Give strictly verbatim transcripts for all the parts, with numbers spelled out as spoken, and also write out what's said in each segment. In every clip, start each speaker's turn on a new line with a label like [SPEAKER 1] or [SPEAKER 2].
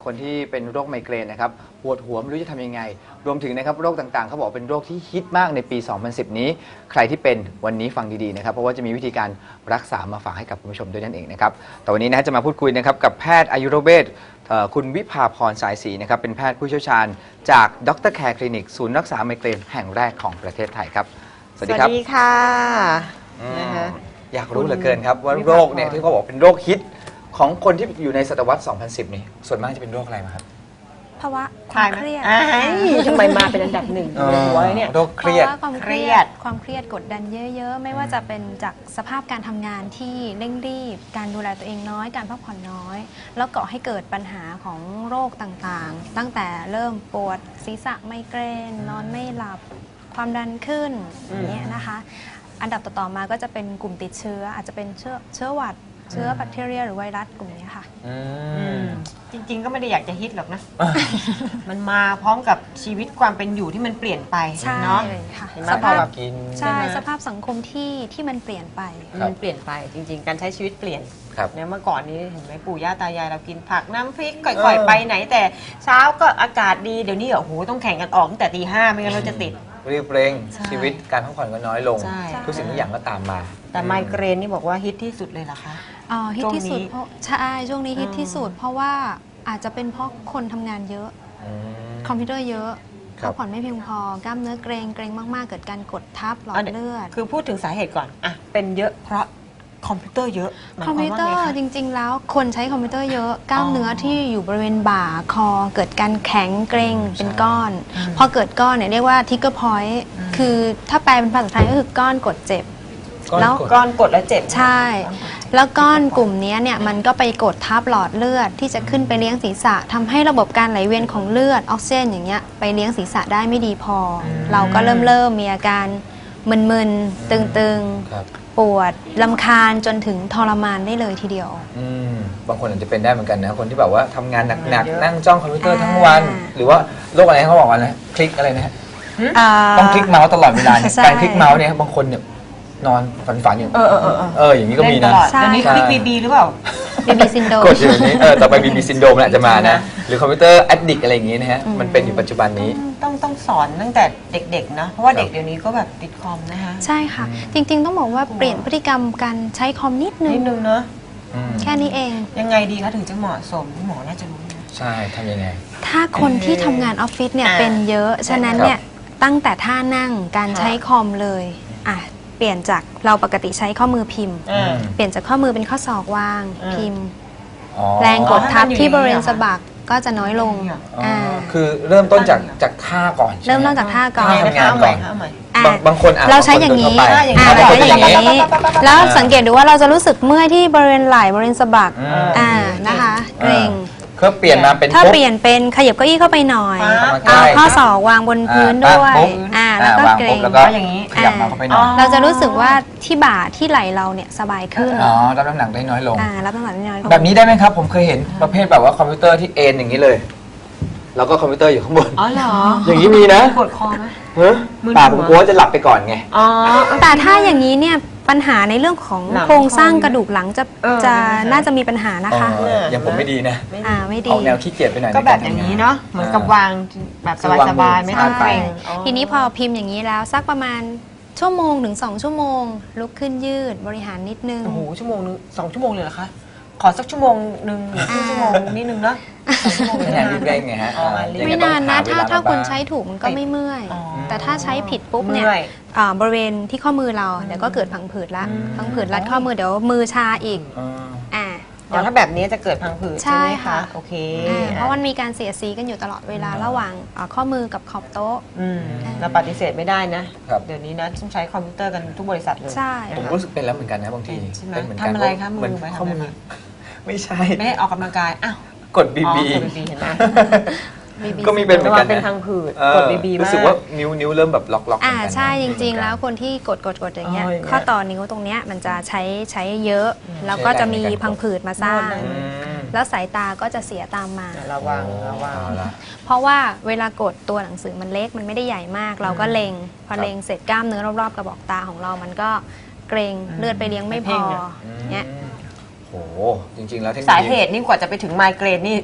[SPEAKER 1] คนที่เป็นโรคไมเกรนนะครับปวดหัวไม่รู้จะทำยังไงรวมถึงนะครับโรคต่างๆเขาบอกเป็นโรคที่ฮิตมากในปี สองพันสิบ นี้ใครที่เป็นวันนี้ฟังดีๆนะครับเพราะว่าจะมีวิธีการรักษามาฝากให้กับคุณผู้ชมด้วยนั่นเองนะครับแต่วันนี้นะจะมาพูดคุยนะครับกับแพทย์อายุรเวชคุณวิภาพรสายศรีนะครับเป็นแพทย์ผู้เชี่ยวชาญจากดรแคร์คลินิกศูนย์รักษาไมเกรนแห่งแรกของประเทศไทยครับสวัสดีครับ
[SPEAKER 2] สวัสดีค่ะ
[SPEAKER 1] อยากรู้เหลือเกินครับว่าโรคเนี่ยที่เขาบอกเป็นโรคฮิตของคนที่อยู่ในศตวรรษ สองพันสิบ นี่ส่วนมากจะเป็นโรคอะไรมาครับ
[SPEAKER 3] ภาวะความเครียด
[SPEAKER 2] ทำไมมาเป็นอันดับหนึ่งในหัวเนี่ย
[SPEAKER 1] โรคเครียด
[SPEAKER 3] ความเครียดความเครียดกดดันเยอะๆไม่ว่าจะเป็นจากสภาพการทำงานที่เร่งรีบการดูแลตัวเองน้อยการพักผ่อนน้อยแล้วก่อให้เกิดปัญหาของโรคต่างๆตั้งแต่เริ่มปวดศีรษะไมเกรนนอนไม่หลับความดันขึ้นอย่างเงี้ยนะคะอันดับต่อๆมาก็จะเป็นกลุ่มติดเชื้ออาจจะเป็นเชื้อเชื้อหวัดเชื้อแบคทีเรียหรือไวรัสกลุ่มนี้ค่ะ
[SPEAKER 2] จริงๆก็ไม่ได้อยากจะฮิตหรอกนะ มันมาพร้อมกับชีวิตความเป็นอยู่ที่มันเปลี่ยนไปเนาะ
[SPEAKER 3] สภาพใช่สภาพสังคมที่ที่มันเปลี่ยนไป
[SPEAKER 2] มันเปลี่ยนไปจริงๆการใช้ชีวิตเปลี่ยนเนี่ยเมื่อก่อนนี้เห็นไหมปู่ย่าตายายเรากินผักน้ำพริกก่อยๆไปไหนแต่เช้าก็อากาศดีเดี๋ยวนี้โอ้โหต้องแข่งกันออกตั้งแต่ตีห้าไม่งั้นเราจะติด
[SPEAKER 1] รีบเร่งชีวิตการพักผ่อนก็น้อยลงทุกสิ่งทุกอย่างก็ตามมา
[SPEAKER 2] แต่ไมเกรนนี่บอกว่าฮิตที่สุดเลยเหรอคะ
[SPEAKER 3] อ๋อฮิตที่สุดเพราะใช่ช่วงนี้ฮิตที่สุดเพราะว่าอาจจะเป็นเพราะคนทำงานเยอะคอมพิวเตอร์เยอะพักผ่อนไม่เพียงพอกล้ามเนื้อเกร็งเกร็งมากๆเกิดการกดทับหลอดเลือด
[SPEAKER 2] คือพูดถึงสาเหตุก่อนอ่ะเป็นเยอะเพราะคอมพิวเตอร์เยอะ
[SPEAKER 3] คอมพิวเตอร์จริงๆแล้วคนใช้คอมพิวเตอร์เยอะกล้ามเนื้อที่อยู่บริเวณบ่าคอเกิดการแข็งเกร็งเป็นก้อนพอเกิดก้อนเนี่ยเรียกว่าทิกเกอร์พอยต์คือถ้าแปลเป็นภาษาไทยก็คือก้อนกดเจ็บ
[SPEAKER 2] แล้วก้อนกดแล้วเจ็บ
[SPEAKER 3] ใช่แล้วก้อนกลุ่มนี้เนี่ยมันก็ไปกดทับหลอดเลือดที่จะขึ้นไปเลี้ยงศีรษะทำให้ระบบการไหลเวียนของเลือดออกซิเจนอย่างเงี้ยไปเลี้ยงศีรษะได้ไม่ดีพอเราก็เริ่มเริ่มมีอาการมึนๆตึงๆปวดรำคาญจนถึงทรมานได้เลยทีเดียว
[SPEAKER 1] บางคนอาจจะเป็นได้เหมือนกันนะคนที่แบบว่าทำงานหนักๆนั่งจ้องคอมพิวเตอร์ทั้งวันหรือว่าโรคอะไรเขาบอกว่าอะไรคลิกอะไรนะต้องคลิกเมาส์ตลอดเวลาการคลิกเมาส์เนี่ยบางคนเนี่ยนอนฝันฝันอยู่เออเออเอออย่างนี้ก็มีนะ
[SPEAKER 2] ตอนนี้คลิกบีบีหรือเปล่า
[SPEAKER 3] บีบีซินโดม
[SPEAKER 1] กดอยู่นี้เออต่อไปบีบีซินโดมอาจจะมานะหรือคอมพิวเตอร์แอดดิกอะไรอย่างนี้นะฮะมันเป็นอยู่ปัจจุบันนี้
[SPEAKER 2] ต้องต้องสอนตั้งแต่เด็กๆนะเพราะว่าเด็กเดี๋ยวนี้ก็แบบติดคอมนะคะ
[SPEAKER 3] ใช่ค่ะจริงๆต้องบอกว่าเปลี่ยนพฤติกรรมการใช้คอมนิดนึง
[SPEAKER 2] นิดนึงเนาะ
[SPEAKER 3] แค่นี้เอง
[SPEAKER 2] ยังไงดีคะถึงจะเหมาะสมหมอน่าจะรู้
[SPEAKER 1] ใช่ทำยังไง
[SPEAKER 3] ถ้าคนที่ทำงานออฟฟิศเนี่ยเป็นเยอะฉะนั้นเนี่ยตั้งแต่ท่านั่งการใช้คอมเลยอ่ะเปลี่ยนจากเราปกติใช้ข้อมือพิมพ์เปลี่ยนจากข้อมือเป็นข้อศอกวางพิมพ์แรงกดทับที่บริเวณสะบักก็จะน้อยลง
[SPEAKER 1] คือเริ่มต้นจากจากท่าก่อน
[SPEAKER 3] เริ่มต้นจากท่าก่อน
[SPEAKER 1] ทำงานก่อนบางคน
[SPEAKER 3] เราใช้อย่างนี้เราใช้อย่างนี้แล้วสังเกตดูว่าเราจะรู้สึกเมื่อยที่บริเวณไหล่บริเวณสะบักอ่านะคะเกร็ง
[SPEAKER 1] ก็เปลี่ยนมาเป็น
[SPEAKER 3] ถ้าเปลี่ยนเป็นขยับเก้าอี้เข้าไปหน่อยเอาข้อศอกวางบนพื้นด้วยอ่าแล้วก็เกร็ง
[SPEAKER 1] แล้วก็อย่างนี้ขยับมาเข้าไปหน่อย
[SPEAKER 3] เราจะรู้สึกว่าที่บ่าที่ไหล่เราเนี่ยสบายขึ้น
[SPEAKER 1] อ๋อรับน้ำหนักได้น้อยลง
[SPEAKER 3] อ่ารับน้ำหนักได้น้อยลง
[SPEAKER 1] แบบนี้ได้ไหมครับผมเคยเห็นประเภทแบบว่าคอมพิวเตอร์ที่เอ็นอย่างนี้เลยแล้วก็คอมพิวเตอร์อยู่ข้างบน
[SPEAKER 2] อ๋อเหรอ
[SPEAKER 1] อย่างนี้มีนะ
[SPEAKER 2] ปวดคอไหม
[SPEAKER 1] เฮ้ยปากผมกลัวจะหลับไปก่อนไง
[SPEAKER 3] อ๋อแต่ถ้าอย่างนี้เนี่ยปัญหาในเรื่องของโครงสร้างกระดูกหลังจะจะน่าจะมีปัญหานะคะ
[SPEAKER 1] อย่างผมไม่ดีนะ
[SPEAKER 3] อ่าไม่ดี
[SPEAKER 1] ออกแนวขี้เกียจไปหน่อย
[SPEAKER 2] ก็แบบอย่างนี้เนาะเหมือนกับวางแบบสบายๆไม่ต้องเกร็ง
[SPEAKER 3] ทีนี้พอพิมพ์อย่างนี้แล้วสักประมาณชั่วโมงถึงสองชั่วโมงลุกขึ้นยืดบริหารนิดนึง
[SPEAKER 2] โอ้โหชั่วโมงนึงสองชั่วโมงเลยเหรอคะขอสักชั่วโมงหนึ่งชั่วโมงนิดนึงเนาะสองชั่วโมง
[SPEAKER 1] ไม่นานรีบเร่งไงฮะ
[SPEAKER 3] ไม่นานนะถ้าถ้าคุณใช้ถูกมันก็ไม่เมื่อยแต่ถ้าใช้ผิดปุ๊บเนี่ยบริเวณที่ข้อมือเราเดี๋ยวก็เกิดพังผืดละพังผืดรัดข้อมือเดี๋ยวมือชาอีก
[SPEAKER 2] อ่าเดี๋ยวถ้าแบบนี้จะเกิดพังผืดใช่ไหมคะโอเค
[SPEAKER 3] เพราะมันมีการเสียดสีกันอยู่ตลอดเวลาระหว่างข้อมือกับขอบโต๊ะ
[SPEAKER 2] เราปฏิเสธไม่ได้นะเดี๋ยวนี้นะต้องใช้คอมพิวเตอร์กันทุกบริษัทเลย
[SPEAKER 3] ใช่
[SPEAKER 1] ผมรู้สึกเป็นแล้วเหมือนกันนะบางที
[SPEAKER 2] เป็นเหมือนกันทำอะไรคะมือ
[SPEAKER 1] ข้อมือไม่ใช่
[SPEAKER 2] ไม่ให้ออกกำลังกายอ้าว
[SPEAKER 1] กดบีบี
[SPEAKER 2] เห็นไหม
[SPEAKER 1] ก็มีเป็นเหมือนกัน
[SPEAKER 2] เป็นทางผืดกดบีบี
[SPEAKER 1] รู้สึกว่านิ้วนิ้วเริ่มแบบล็อกล็อก
[SPEAKER 3] อ่าใช่จริงๆแล้วคนที่กดกดกดอย่างเงี้ยข้อต่อนิ้วตรงเนี้ยมันจะใช้ใช้เยอะแล้วก็จะมีพังผืดมาสร้างแล้วสายตาก็จะเสียตามมา
[SPEAKER 2] ระวังระวัง
[SPEAKER 3] เพราะว่าเวลากดตัวหนังสือมันเล็กมันไม่ได้ใหญ่มากเราก็เล็งพอเล็งเสร็จกล้ามเนื้อรอบๆกระบอกตาของเรามันก็เกร็งเลือดไปเลี้ยงไม่พอเนี้ย
[SPEAKER 1] โอ้จริงๆแล้ว
[SPEAKER 2] สาเหตุนี่กว่าจะไปถึงไมเกรนนี่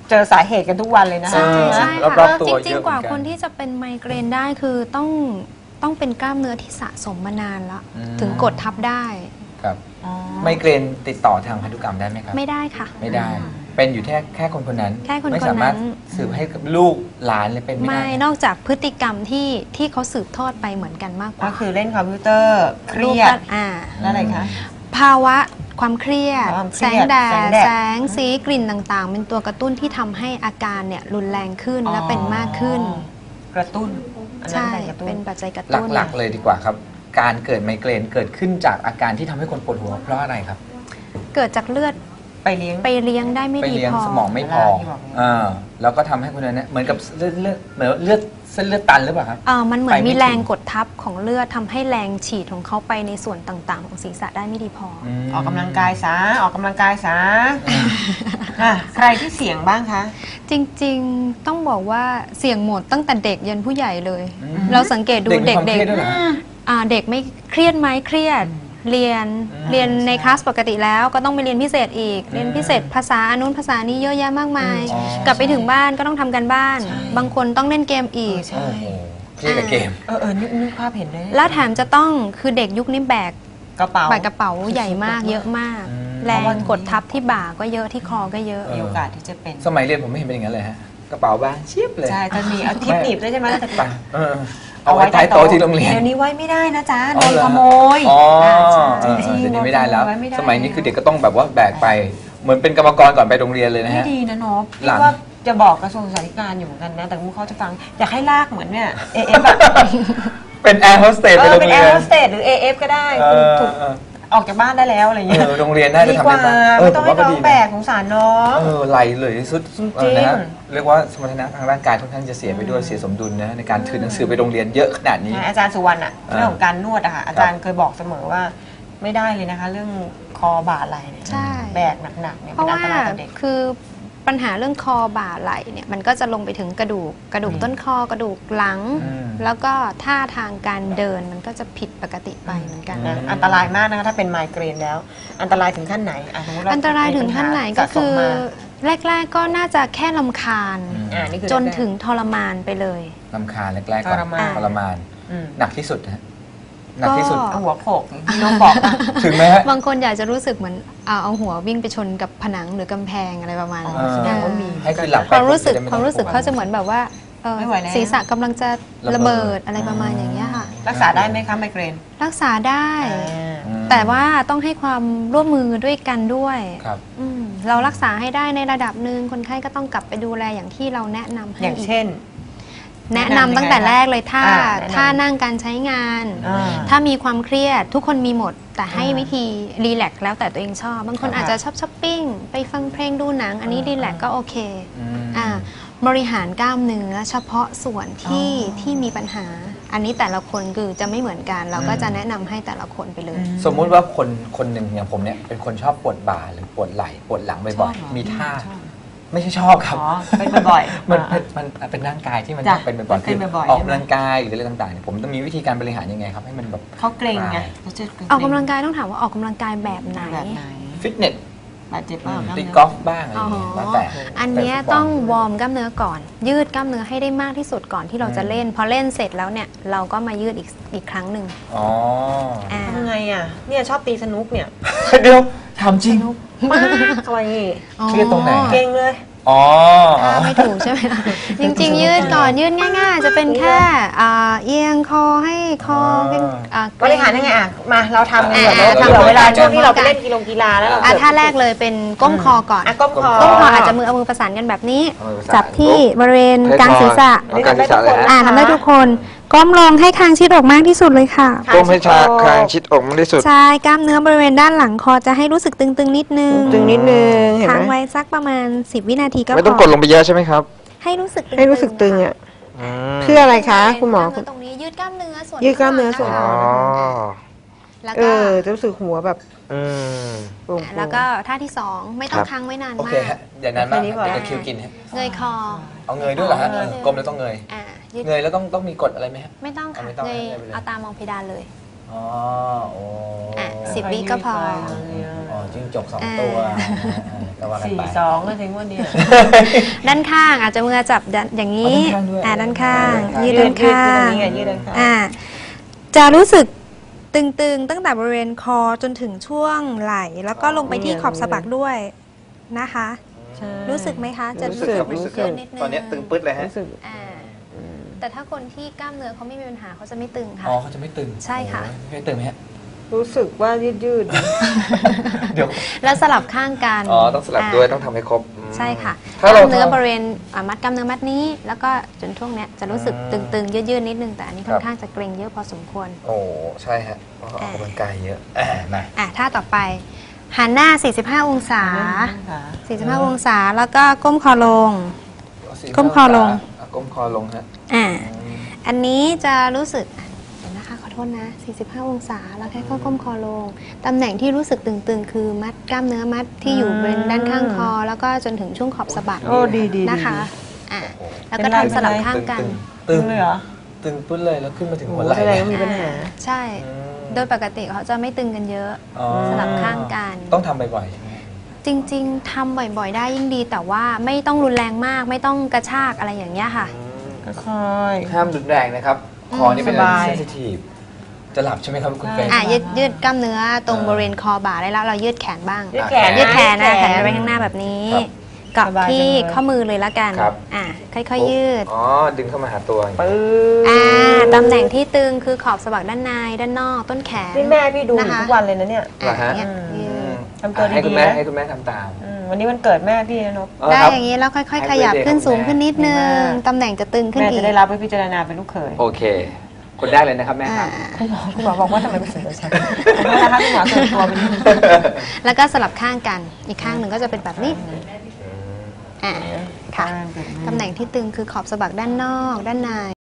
[SPEAKER 2] เจอสาเหตุกันทุกวันเลยนะ
[SPEAKER 3] ใช่
[SPEAKER 2] คะ
[SPEAKER 3] ใช่
[SPEAKER 1] รอบ
[SPEAKER 3] ค่ะ
[SPEAKER 1] ๆตัว
[SPEAKER 3] จ
[SPEAKER 1] เย
[SPEAKER 3] ริง
[SPEAKER 1] อะ
[SPEAKER 3] ๆ กว่า
[SPEAKER 1] เหมือนกัน
[SPEAKER 3] คนที่จะเป็นไมเกรนได้คือต้องต้องเป็นกล้ามเนื้อที่สะสมมานานแล้ว
[SPEAKER 1] อืม
[SPEAKER 3] ถึงกดทับได้
[SPEAKER 1] ครับ
[SPEAKER 2] อ๋อ
[SPEAKER 1] ไมเกรนติดต่อทางพันธุกรรมได้ไหมครับ
[SPEAKER 3] ไม่ได้ค่ะ
[SPEAKER 1] ไม่ได้ เป็นอยู่แค่แค่คนคนนั้น
[SPEAKER 3] แค่คน
[SPEAKER 1] ไม่
[SPEAKER 3] คนนั้น
[SPEAKER 1] สามารถสืบให้กับลูกหลานเลยเป็นไม่
[SPEAKER 3] ไม่
[SPEAKER 1] ได้
[SPEAKER 3] นอกจากพฤติกรรมที่ที่เขาสืบทอดไปเหมือนกันมากก
[SPEAKER 2] ก็
[SPEAKER 3] ว่า
[SPEAKER 2] คือเล่นคอมพิวเตอร์เครียด
[SPEAKER 3] รูปอ่า
[SPEAKER 2] แล้วอะไรคะ
[SPEAKER 3] ภาวะความเครียด
[SPEAKER 2] ความเค
[SPEAKER 3] แส
[SPEAKER 2] รี
[SPEAKER 3] ง
[SPEAKER 2] ยด
[SPEAKER 3] แด
[SPEAKER 2] แสง
[SPEAKER 3] ด
[SPEAKER 2] แดด
[SPEAKER 3] แสงสีกลิ่นต่างๆ เป็นตัวกระตุ้นที่ทำให้อาการเนี่ยรุนแรงขึ้นและเป็นมากขึ้น
[SPEAKER 2] กระตุ้นอันนั้น
[SPEAKER 3] ใช่
[SPEAKER 2] เป็นกระตุ้น
[SPEAKER 3] เป็นปัจจัยกระ
[SPEAKER 1] ห
[SPEAKER 3] ตุ้น
[SPEAKER 1] ลักๆเลยดีกว่าครับ การเกิดไมเกรนเกิดขึ้นจากอาการที่ทำให้คนปวดหัวเพราะอะไรครับ
[SPEAKER 3] เกิดจากเลือด
[SPEAKER 2] ไปเลี้ยง
[SPEAKER 3] ไปเลี้ยงได้ไม่
[SPEAKER 1] ไป
[SPEAKER 3] ดี
[SPEAKER 1] เลี้ยง
[SPEAKER 3] พอ
[SPEAKER 1] สมองไม่พอ
[SPEAKER 2] ที่บอกเนี่ย
[SPEAKER 1] อ่าแล้วก็ทำให้คนนั้นเนี่ยเหมือนกับเลือดเลือดเหมือนเลือดเส้นเลือดตันหรือเปล่าครับ
[SPEAKER 3] เอ่อมันเหมือน
[SPEAKER 1] ไปไม่
[SPEAKER 3] มีแรง
[SPEAKER 1] ถึง
[SPEAKER 3] กดทับของเลือดทำให้แรงฉีดของเขาไปในส่วนต่างๆ ของศีรษะได้ไม่ดีพออ
[SPEAKER 1] ม
[SPEAKER 2] ออกกำลังกายซะออกกำลังกายซะอ่ะใครที่เสี่ยงบ้างคะ
[SPEAKER 3] จริงๆต้องบอกว่าเสี่ยงหมดตั้งแต่เด็กยันผู้ใหญ่เลย
[SPEAKER 1] อืม
[SPEAKER 3] เราสังเกตดู
[SPEAKER 1] เด็
[SPEAKER 3] เด็
[SPEAKER 1] ก
[SPEAKER 3] ก
[SPEAKER 1] มีความเครียดด้วยเหรอฮะ
[SPEAKER 3] ๆอ่าเด็กไม่เครียดไหมเครียด เรียน
[SPEAKER 1] อืม
[SPEAKER 3] เรียนในคลาสปกติแล้วก็ต้องไปเรียนพิเศษอีก
[SPEAKER 1] อืม
[SPEAKER 3] เรียนพิเศษภาษาอันนู้นภาษานี้เยอะแยะมากมาย
[SPEAKER 1] อ๋อก
[SPEAKER 3] ลับไปถึงบ้านก็ต้องทำกันบ้าน บางคนต้องเล่นเกมอีก
[SPEAKER 2] ใช่
[SPEAKER 1] โอ้โหเครียดกับเกม
[SPEAKER 2] เออเออนึกนึกภาพเห็นเลย
[SPEAKER 3] แล้วแถมจะต้องคือเด็กยุคนี้แบก
[SPEAKER 2] กระเป๋า
[SPEAKER 3] แบกกระเป๋าใหญ่มากเยอะมาก
[SPEAKER 1] อืม
[SPEAKER 3] แรงกดทับที่บ่าก็เยอะที่คอก็เยอะ
[SPEAKER 2] มีโอกาสที่จะเป็น
[SPEAKER 1] สมัยเรียนผมไม่เห็นเป็นอย่างนั้นเลยฮะกระเป๋าบ้างเชียบเลย
[SPEAKER 2] ใช่จะมีเอาทิปหนีบด้วยใช่ไหมแต่
[SPEAKER 1] ไปเออเอาไว้ใต้โต๊ะที่โรงเรียน
[SPEAKER 2] เดี๋ยวนี้ไว้ไม่ได้นะจ๊ะโด
[SPEAKER 1] อ๋อน เหรอ
[SPEAKER 2] ขโมย
[SPEAKER 1] อ๋อ
[SPEAKER 2] ใช่
[SPEAKER 1] เออ
[SPEAKER 2] จริงๆ
[SPEAKER 1] เดี๋ยวนี้ไม่ได้แล้ว
[SPEAKER 2] โนขโมยไไได้
[SPEAKER 1] สมัยนี้คือเด็กก็ต้องแบบว่าแบกไป เหมือนเป็นกรรมกรก่อนไปโรงเรียนเลยนะ
[SPEAKER 2] ไม่
[SPEAKER 1] ฮะ
[SPEAKER 2] ดีนะเนาะ
[SPEAKER 1] หลั
[SPEAKER 2] พี่
[SPEAKER 1] ง
[SPEAKER 2] ว่าจะบอกกระทรวงสาธารณสุขอยู่เหมือนกันนะ แต่มุกเขาจะฟัง อยากให้ลากเหมือนเนี่ย เอ เอฟ แบบ
[SPEAKER 1] เป็นแอร์โฮสเตส
[SPEAKER 2] เอ
[SPEAKER 1] ไป
[SPEAKER 2] อ
[SPEAKER 1] โรง
[SPEAKER 2] เป็น
[SPEAKER 1] เรี
[SPEAKER 2] แอย ร์
[SPEAKER 1] น
[SPEAKER 2] โฮสเตสหรือ เอ เอฟ ก็ได้
[SPEAKER 1] เออ
[SPEAKER 2] ถูก
[SPEAKER 1] เออ
[SPEAKER 2] ออกจากบ้านได้แล้วอะไรเงี้ย
[SPEAKER 1] เออโรงเรียนน่าจะ
[SPEAKER 2] ดี
[SPEAKER 1] ทำ
[SPEAKER 2] กว่า
[SPEAKER 1] ได้บ้างเออ
[SPEAKER 2] ไม่
[SPEAKER 1] ผ
[SPEAKER 2] ต้อง
[SPEAKER 1] ม
[SPEAKER 2] ให้
[SPEAKER 1] ว่าก็
[SPEAKER 2] น้อ
[SPEAKER 1] ดี
[SPEAKER 2] งแบ
[SPEAKER 1] นะ
[SPEAKER 2] กสงสารน้อง
[SPEAKER 1] เออไหลเลยสุด
[SPEAKER 2] จริงๆ
[SPEAKER 1] เออนะฮะเรียกว่าสมรรถนะทางร่างกายค่อนข้างจะเสียไปด้วยเสียสมดุลนะในการถือหนังสือไปโรงเรียนเยอะขนาดนี้
[SPEAKER 2] อาจารย์สุวรรณอะ
[SPEAKER 1] อ่า
[SPEAKER 2] เรื่องของการนวดอะค่ะอาจารย์เคยบอกเสมอว่าไม่ได้เลยนะคะ เรื่องคอบ่าไหล่เนี่ย
[SPEAKER 3] ใช่
[SPEAKER 2] แบกหนักๆเนี่ย
[SPEAKER 3] เพ
[SPEAKER 2] เป็น
[SPEAKER 3] ราะ
[SPEAKER 2] อัน
[SPEAKER 3] ว่า
[SPEAKER 2] ตรายต่อเด็ก
[SPEAKER 3] คือปัญหาเรื่องคอบ่าไหล่เนี่ยมันก็จะลงไปถึงกระดูกกระดูก
[SPEAKER 2] อืม
[SPEAKER 3] ต้นคอกระดูกหลัง
[SPEAKER 1] อืม
[SPEAKER 3] แล้วก็ท่าทางการเดินมันก็จะผิดปกติไปเหมือนกัน
[SPEAKER 2] นะอันตรายมากนะคะถ้าเป็นไมเกรนแล้ว อันตรายถึงขั้นไหนอ่ะสมมติเ
[SPEAKER 3] อันตรายถึงขั้นไหนก็คือ
[SPEAKER 2] สะสมมา
[SPEAKER 3] แรก ๆ ก็น่าจะแค่ลำคาญ
[SPEAKER 1] อืม
[SPEAKER 2] อ่านี่คือ
[SPEAKER 3] จนถึงทรมานไปเลย
[SPEAKER 1] ลำคาญแรกๆก่อน
[SPEAKER 2] ทรมาน
[SPEAKER 1] ทรมาน
[SPEAKER 2] อืม
[SPEAKER 1] หนักที่สุดนะฮะหนักที่สุด
[SPEAKER 3] ก็
[SPEAKER 2] เอาหัวโขกที่น้องบอกอะ
[SPEAKER 1] ถึงไหมฮะ
[SPEAKER 3] บางคนอยากจะรู้สึกเหมือนเอาเอาหัววิ่งไปชนกับผนังหรือกำแพงอะไรประมาณ
[SPEAKER 2] อ๋อ
[SPEAKER 3] นั้น
[SPEAKER 2] แสดงว่ามี
[SPEAKER 1] ให้คือหลับไป
[SPEAKER 3] ความรู้สึก
[SPEAKER 1] จะได้ไ
[SPEAKER 3] ความรู้สึก
[SPEAKER 1] ต้อง
[SPEAKER 3] เขาจะเหมือนแบบว่าเอ่อ
[SPEAKER 2] ไม่ไหวแล้ว
[SPEAKER 3] ศีรษะกำลังจะ
[SPEAKER 1] ระ
[SPEAKER 3] ระ
[SPEAKER 1] เบิ
[SPEAKER 3] เบิ
[SPEAKER 1] ด
[SPEAKER 3] ดอะไรประมาณอย่างเงี้ยค่ะ
[SPEAKER 2] รักษาได้ไหมคะไมเกรน
[SPEAKER 3] รักษาได้
[SPEAKER 2] อ่า
[SPEAKER 1] อืม
[SPEAKER 3] แต่ว่าต้องให้ความร่วมมือด้วยกันด้วย
[SPEAKER 1] ครับ
[SPEAKER 3] อืมเรารักษาให้ได้ในระดับหนึ่งคนไข้ก็ต้องกลับไปดูแลอย่างที่เราแนะนำให้
[SPEAKER 2] อย่าง
[SPEAKER 3] อีก
[SPEAKER 2] เช่น
[SPEAKER 3] แนะนำตั้งแต่แรกเลยถ้า
[SPEAKER 2] อ่าแนะนำ
[SPEAKER 3] ถ้านั่งการใช้งาน
[SPEAKER 2] อ่า
[SPEAKER 3] ถ้ามีความเครียดทุกคนมีหมด แต่ให้
[SPEAKER 2] อ่า
[SPEAKER 3] วิธีรีแลกซ์แล้วแต่ตัวเองชอบ บางคน
[SPEAKER 2] ค่ะ
[SPEAKER 3] อาจจะชอบช้อปปิ้งไปฟังเพลงดูหนัง อันนี้
[SPEAKER 2] อ่า
[SPEAKER 3] รีแลกซ์ก็โอเค
[SPEAKER 1] อืม
[SPEAKER 3] อ่าบริหารกล้ามเนื้อเฉพาะส่วนที่
[SPEAKER 2] อ๋อ
[SPEAKER 3] ที่มีปัญหา อันนี้แต่ละคนคือจะไม่เหมือนกัน เราก็
[SPEAKER 1] อืม
[SPEAKER 3] จะแนะนำให้แต่ละคนไปเลย
[SPEAKER 1] สมมุติว่าคนคนหนึ่งอย่างผมเนี่ยเป็นคนชอบปวดบ่าหรือปวดไหล่ปวดหลัง
[SPEAKER 2] ช
[SPEAKER 1] บ่
[SPEAKER 2] อ
[SPEAKER 1] อบ ย
[SPEAKER 2] เหรอ
[SPEAKER 1] ๆมีท่า
[SPEAKER 2] ชอบ
[SPEAKER 1] ไม่ใช่ชอบครับ
[SPEAKER 2] อ๋อเป็นบ่อยๆ
[SPEAKER 1] มัน
[SPEAKER 2] อ่า
[SPEAKER 1] มันมันเป็นร่างกายที่มัน
[SPEAKER 2] จ้ะ
[SPEAKER 1] เป็นบ่อยๆ
[SPEAKER 2] เป็นบ่อยๆ
[SPEAKER 1] ออก
[SPEAKER 2] ใช่ไหม
[SPEAKER 1] กำลังกายหรืออะไรต่างๆเนี่ยผมต้องมีวิธีการบริหารยังไงครับให้มันแบบ
[SPEAKER 2] เขาเกรงไง
[SPEAKER 1] ใช่
[SPEAKER 2] เขาจะเรง
[SPEAKER 3] ออกกำลังกายต้องถามว่าออกกำลังกายแบบไหน
[SPEAKER 2] แบบไหน
[SPEAKER 1] ฟิตเนส
[SPEAKER 2] บาดเจ็บบ้าง
[SPEAKER 1] ตีกอล์ฟบ้างอะไรอย่างเงี้ยแล้วแต่
[SPEAKER 3] อันเนี้ยต้องวอร์มกล้ามเนื้อก่อน ยืดกล้ามเนื้อให้ได้มากที่สุดก่อนที่เราจะเล่น พอเล่นเสร็จแล้วเนี่ยเราก็มายืดอีกอีกครั้งหนึ่ง
[SPEAKER 1] อ๋อ
[SPEAKER 3] อ่า
[SPEAKER 2] ทำไงอ่ะเนี่ยชอบตีสนุกเนี่ย
[SPEAKER 1] เดี๋ยวทำจริง
[SPEAKER 2] มากอะไรนี่
[SPEAKER 1] เครียดตรงไหน
[SPEAKER 2] เก่งเลย
[SPEAKER 1] อ๋อ
[SPEAKER 3] ท่าไม่ถูกใช่ไหมคะจริงๆ ยืดก่อนยืดง่ายๆ จะเป็นแค่อ่าเอียงคอให้คอขึ้นอ่า
[SPEAKER 2] บริหารยังไงอ่ะ มาเราทำกัน
[SPEAKER 3] อ่ะ
[SPEAKER 2] เผื่อ
[SPEAKER 3] อ่ะ
[SPEAKER 2] เผื่อ
[SPEAKER 3] ทำ
[SPEAKER 2] เวลา
[SPEAKER 3] ทำ
[SPEAKER 2] ช่วงที่เราไป
[SPEAKER 3] ทำ
[SPEAKER 2] เล่นกีฬากีฬาแล้วเรา
[SPEAKER 3] อ่ะ
[SPEAKER 2] เกิด
[SPEAKER 3] ท่าแรกเลยเป็นก้มคอก่อน
[SPEAKER 2] อ่ะก้มคอ
[SPEAKER 3] ก้มคออาจจะมือเอามือประสานกันแบบนี้
[SPEAKER 1] เอามือประสาน
[SPEAKER 3] จับที่บริเวณกลางศีรษะ
[SPEAKER 2] อันนี้ทำได้ทุกคน
[SPEAKER 3] อ่าทำได้ทุกคนก้มลงให้คางชิดออกมากที่สุดเลยค่ะ
[SPEAKER 4] ก้มให้ชาคางชิดอกมากที่สุด
[SPEAKER 3] ใช่กล้ามเนื้อบริเวณด้านหลังคอจะให้รู้สึกตึงๆนิดนึง
[SPEAKER 2] ตึงนิดนึงเห็น
[SPEAKER 3] ค้าง
[SPEAKER 2] ไหม
[SPEAKER 3] ไว้สักประมาณสิบวินาทีก็พอ
[SPEAKER 4] ไม่ต้องกดลงไปเยอะใช่ไหมครับ
[SPEAKER 3] ให้รู้สึกตึงๆ
[SPEAKER 2] ให้รู้สึกตึงอ่ะ
[SPEAKER 4] อืม
[SPEAKER 2] เพื่ออะไรคะคุณหมอ
[SPEAKER 3] กล้าเนื้ตรงนี้ยืดกล้ามเนื้อส่วน
[SPEAKER 2] ยืดกล้ามเนื้อส่วน
[SPEAKER 3] ข้างห
[SPEAKER 4] อ๋
[SPEAKER 3] ลั
[SPEAKER 4] อ
[SPEAKER 3] งแล้ว
[SPEAKER 2] เอ
[SPEAKER 3] ก็
[SPEAKER 2] อจะรู้สึกหัวแบบ
[SPEAKER 4] อืม
[SPEAKER 2] โปร่งๆ
[SPEAKER 3] แล้วก็ท่าที่สองไม่ต้อง
[SPEAKER 4] ครับ
[SPEAKER 3] ค้างไว้นาน
[SPEAKER 1] โอ
[SPEAKER 3] มา
[SPEAKER 1] เค
[SPEAKER 3] ก
[SPEAKER 1] ฮะอย่างนั้นมาก
[SPEAKER 2] แค่นี้พอ
[SPEAKER 1] เดี๋ยวคิวกินฮะ
[SPEAKER 3] เงยคอ
[SPEAKER 1] เอาเงยด้วยเหรอฮะ
[SPEAKER 3] อ๋อ
[SPEAKER 1] เออกลมแล้วต้องเงย
[SPEAKER 3] อ่ายืด
[SPEAKER 1] เงยแล้วต้องต้องมีกฎอะไรไหมฮะ
[SPEAKER 3] ไม่ต้องค่ะ
[SPEAKER 1] เอาไม่ต้อง
[SPEAKER 3] เงย
[SPEAKER 1] ให้ไปเลย
[SPEAKER 3] เอาตามองเพดานเลย
[SPEAKER 1] ออ๋อโอ้
[SPEAKER 3] อ่ะสิบวิก็พอ
[SPEAKER 1] อ๋อจิ้งจกสอง
[SPEAKER 3] อ่า
[SPEAKER 1] ตัวก็ว่ากัน
[SPEAKER 2] สี่
[SPEAKER 1] ไป
[SPEAKER 2] สองก็ถึงว่าเนี่ย
[SPEAKER 3] ด้านข้างอาจจะมือจับด้านอย่างนี้
[SPEAKER 1] อ๋อด้านข้างด้วย
[SPEAKER 3] อ่าด้านข้างยืดด้านข้าง
[SPEAKER 2] ยืดยืดด้านข้าง
[SPEAKER 3] อ่าจะรู้สึกตึงๆ ตั้งแต่บริเวณคอจนถึงช่วงไหล่แล้วก็ลงไปที่ขอบสะบักด้วยนะคะ
[SPEAKER 2] ใช่
[SPEAKER 3] รู้สึกไหมคะ จะ
[SPEAKER 1] รู้สึกครับรู้สึกครับ
[SPEAKER 3] นิดนึง
[SPEAKER 1] ตอนนี้ตึงปึ๊ดเลยฮะ
[SPEAKER 2] รู้สึก
[SPEAKER 3] อ่าแต่ถ้าคนที่กล้ามเนื้อเขาไม่มีปัญหาเขาจะไม่ตึงค่ะ
[SPEAKER 1] อ๋อเขาจะไม่ตึง
[SPEAKER 3] ใช่ค่ะ
[SPEAKER 1] โอ้ยไม่ตึงไหมฮะ
[SPEAKER 2] รู้สึกว่ายืดยืด
[SPEAKER 1] เดี๋ยว
[SPEAKER 3] แล้วสลับข้างกัน
[SPEAKER 4] อ๋อ ต้องสลับด้วย ต้องทำให้ครบอืม
[SPEAKER 3] ใช่ค่ะก
[SPEAKER 4] ถ้าเรา
[SPEAKER 3] ล้ามเนื้อ
[SPEAKER 4] ทำ
[SPEAKER 3] บริเวณอ่ามัดกล้ามเนื้อมัดนี้ แล้วก็จนช่วงเนี้ยจะรู้สึก
[SPEAKER 1] อืม
[SPEAKER 3] ตึงๆ ยืดๆ นิดนึง แต่อันนี้
[SPEAKER 4] ครั
[SPEAKER 3] ค่อบ นข้างจะเกร็งเยอะพอสมควร
[SPEAKER 4] โอ้ใช่ฮะเพราะออกกำลังกายเยอะ
[SPEAKER 1] อ่ามา
[SPEAKER 3] อ่ะท่าต่อไป หันหน้า สี่สิบห้า องศา สี่สิบห้า องศา แล้วก็ก้มคอลง ก้มคอลง
[SPEAKER 4] ะก้มคอลงฮะ
[SPEAKER 3] อ่า อันนี้จะรู้สึกอ่ะเดี๋ยวนะคะขอโทษนะ สี่สิบห้า องศา แล้วแค่ก้มคอลง ตำแหน่งที่รู้สึกตึงๆ คือมัดกล้ามเนื้อมัดที่อยู่บริเวณด้านข้างคอ แล้วก็จนถึงช่วงขอบสะบัก
[SPEAKER 2] โอ้ดีดี
[SPEAKER 3] นะคะ อ่ะ แล้วก็
[SPEAKER 2] เป็นไร
[SPEAKER 3] ทำสลับข้างกัน
[SPEAKER 2] ตึงเลยเหรอ
[SPEAKER 1] ตึงปึ๊ดเลยแล้วขึ้นมาถึง
[SPEAKER 2] โอ้
[SPEAKER 1] หัวไหล่
[SPEAKER 2] แสดงว่ามีปัญหา
[SPEAKER 3] ใช่ โดยปกติเขาจะไม่ตึงกันเยอะ
[SPEAKER 1] อ๋อ
[SPEAKER 3] สลับข้างกัน
[SPEAKER 1] ต้องทำบ่อยๆใช่ไหม
[SPEAKER 3] จริงๆทำบ่อยๆ ได้ยิ่งดี แต่ว่าไม่ต้องรุนแรงมาก ไม่ต้องกระชากอะไรอย่างเงี้ยค่ะ
[SPEAKER 2] ค่อย
[SPEAKER 1] ห้ามรุนแรงนะครับ คอนี่เป็น
[SPEAKER 2] สบาย
[SPEAKER 1] เซนซิทีฟจะหลับใช่ไหมครับคุณเฟรน
[SPEAKER 3] อ่ะยืดยืดกล้ามเนื้อตรงบริเวณคอบ่าได้แล้วเรายืดแขนบ้าง
[SPEAKER 2] ยืดแขน
[SPEAKER 3] ยืดแขนนะ
[SPEAKER 2] ยืด
[SPEAKER 3] แข
[SPEAKER 2] แข
[SPEAKER 3] น
[SPEAKER 2] น
[SPEAKER 3] ไปข้างหน้าแบบนี้
[SPEAKER 1] ครับ
[SPEAKER 3] เกาะ
[SPEAKER 2] สบาย
[SPEAKER 3] ที่
[SPEAKER 2] จังเลย
[SPEAKER 3] ข้อมือเลยละกัน
[SPEAKER 1] ครับ
[SPEAKER 3] อ่ะค่อยๆยืด
[SPEAKER 4] อ๋อ ดึงเข้ามาหาตัวอย่าง
[SPEAKER 2] ๆ
[SPEAKER 4] นี้
[SPEAKER 2] ปื้
[SPEAKER 3] อ่าตำแหน่งที่ตึงคือขอบสะบักด้านในด้านนอกต้นแขน
[SPEAKER 2] นี่แม่พี่ดูอยู่
[SPEAKER 3] นะคะ
[SPEAKER 2] ทุกวันเลยนะเนี่ย
[SPEAKER 3] อ่ะอย่างเงี้ย
[SPEAKER 2] อืม
[SPEAKER 3] ยืด
[SPEAKER 2] ทำตัว
[SPEAKER 4] ให้คุ
[SPEAKER 2] ดี
[SPEAKER 4] ณ
[SPEAKER 2] ๆ
[SPEAKER 4] แม่
[SPEAKER 2] นะ
[SPEAKER 4] ให้คุณแม่ทำตาม
[SPEAKER 2] อืมวันนี้วันเกิดแม่พี่นะนก
[SPEAKER 1] เออ
[SPEAKER 3] ได้
[SPEAKER 1] ครับ
[SPEAKER 3] อย่างนี้แล้วค่อย
[SPEAKER 4] ให้
[SPEAKER 3] ๆ ขยับ
[SPEAKER 4] birthday
[SPEAKER 3] ขึ้นสูง
[SPEAKER 4] ของแม่
[SPEAKER 3] ขึ้นนิดนึง
[SPEAKER 2] ดีมาก
[SPEAKER 3] ตำแหน่งจะตึงขึ้น
[SPEAKER 2] แม่
[SPEAKER 3] อี
[SPEAKER 2] จะ
[SPEAKER 3] ก
[SPEAKER 2] ได้รับไปพิจารณาเป็นลูกเขย
[SPEAKER 1] โอเค คนได้เลยนะครับแม่ค
[SPEAKER 3] อ่า
[SPEAKER 1] รับ
[SPEAKER 2] คุณหมอบอกว่าทำไมเป็นเสือฉันขอโทษนะคะคุณหมอเกินตัวไปนิดนึง
[SPEAKER 3] แล้วก็สลับข้างกันอีกข้างหนึ่งก็จะเป็นแบบนี้อ่าค่ะ ตำแหน่งที่ตึงคือขอบสะบักด้านนอกด้านใน